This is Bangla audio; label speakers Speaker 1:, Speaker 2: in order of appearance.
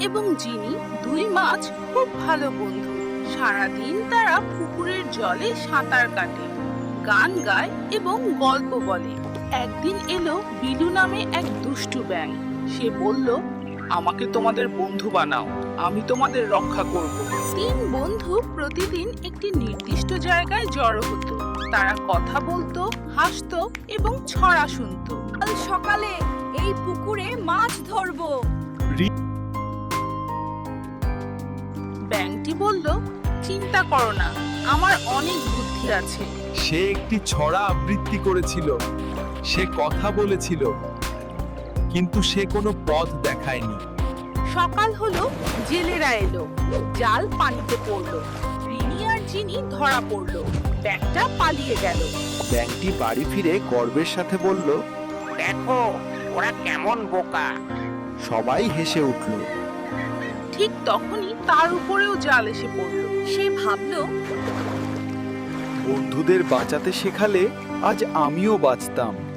Speaker 1: এবং জিনি দুই মাছ খুব ভালো বন্ধু। সারাদিন তারা পুকুরের জলে সাঁতার কাটে, গান গায় এবং গল্প বলে। একদিন এলো বিলু নামে এক দুষ্টু ব্যাঙ। সে বলল,
Speaker 2: আমাকে তোমাদের বন্ধু বানাও, আমি তোমাদের রক্ষা করব।
Speaker 1: তিন বন্ধু প্রতিদিন একটি নির্দিষ্ট জায়গায় জড়ো হতো। তারা কথা বলতো, হাসতো এবং ছড়া শুনতো।
Speaker 3: কাল সকালে এই পুকুরে মাছ ধরবো।
Speaker 1: ব্যাঙটি বলল, চিন্তা করো না, আমার অনেক বুদ্ধি আছে।
Speaker 4: সে একটি ছড়া আবৃত্তি করেছিল, সে কথা বলেছিল, কিন্তু সে কোনো পথ দেখায়নি।
Speaker 1: সকাল হলো, জেলেরা এলো, জাল পানিতে পড়লো। রিনি আর জিনি ধরা পড়লো, ব্যাঙটা পালিয়ে গেল।
Speaker 4: ব্যাংকটি বাড়ি ফিরে গর্বের সাথে বলল,
Speaker 2: দেখো ওরা কেমন বোকা।
Speaker 4: সবাই হেসে উঠল।
Speaker 1: ঠিক তখনই তার উপরেও জাল এসে পড়লো।
Speaker 3: সে ভাবলো,
Speaker 4: বন্ধুদের বাঁচাতে শেখালে আজ আমিও বাঁচতাম।